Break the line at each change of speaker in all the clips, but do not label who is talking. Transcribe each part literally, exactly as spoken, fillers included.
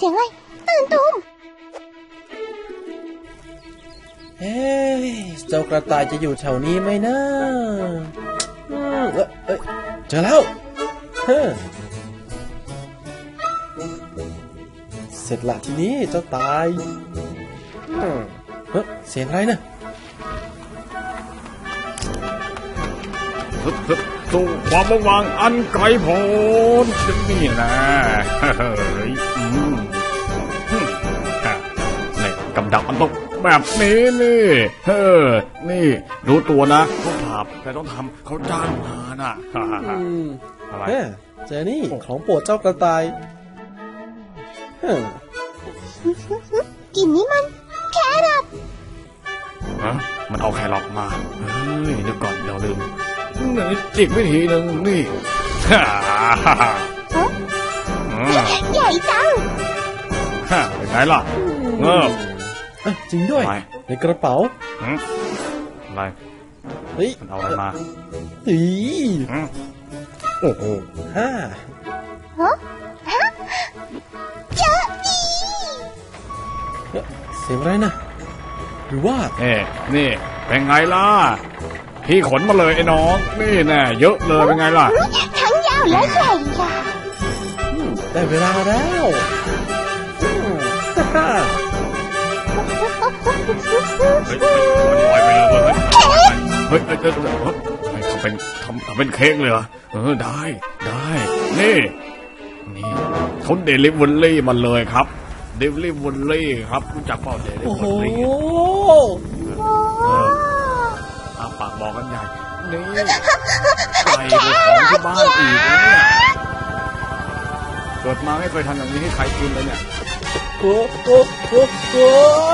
สียงอะไรตื่นตูม
เฮ้ยเจ้ากระต่ายจะอยู่แถวนี้ไหมนะอืมเอ้ยเอ้ยเจอแล้วเฮ้เสร็จละทีนี้เจ้าตายอืมเฮ้ยเสียงอะไรนะ
สู่ความว่างวางอันไกลโพ้นนี่นะเฮ้ยนี่กำดักมันต้องแบบนี้นี่เฮ้อนี่รู้ตัวนะเขาถามแต่ต้องทำเขาจ้างมาน่ะอะไร
เฮ้เจอนี่ของโปรดเจ้ากระต่ายเฮ้
กลิ่นนี้มันแครอท
ฮะมันเอาแครอทมาเฮ้ยเดี๋ยวก่อนเราลืมนี่อีกวิธีหนึ่งนี่ฮ่าฮ่าฮ่า
ใหญ่จัง
ฮ่าเป็นไงล่ะเงบ
จริงด้วยในกระเป๋า
อะไร
เฮ้ย
มันเอาอะไรมา
อี
โอ้โห
ฮ่า
ฮะเจออี
เสียงอะไรนะหรือว่า
เอ๊ะนี่เป็นไงล่ะพี่ขนมาเลยไอ้น้องนี่แน่เยอะเลยเป็นไงล่ะ
ทั้งยาวและใหญ่ยาว
ได้เวลาแล้วฮ่า
เฮ้ยมันลอยไปแล้วเว้ยเฮ้ยเฮ้ยเฮ้ยทำเป็นทำทำเป็นเค้กเลยเหรอเออได้ได้นี่นี่เขาเดลิเวอรี่มาเลยครับเดลิเวอรี่ครับรู้จักเปล่าเดลิเวอรี่อาปากบอกกันใหญ่นี่ไปของที่บ้านอีกแล้วเนี่ยเกิดมาไม่เคยทำอย่างนี้ให้ใครกินเลยเนี่ย
โอ้โอ้โอ้โอ้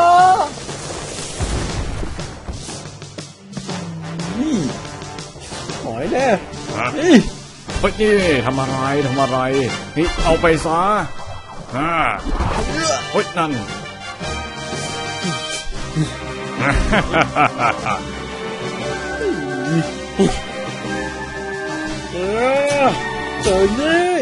นี่หอยแน่นี่
เฮ้ยนี่ทำอะไรทำอะไรนี่เอาไปซะฮ่าเฮ้ยนั่น
เออเจอนี่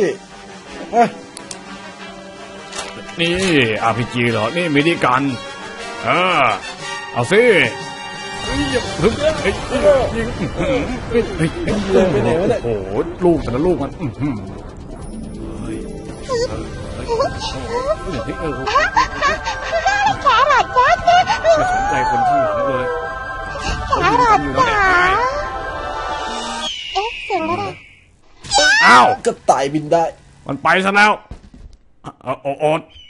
นี่ อาร์ พี จี เหรอนี่มินิกันเออเอาสิยิงโอ้โหลูกแต่ละลูกมัน
แครอทจ้า
ไม่สนใจคนข้างหลังเลย
แครอทจ้าเอ๊ะเสียงอะไร
อ้าว
กระต่ายบินได้
มันไปซะแล้วโอด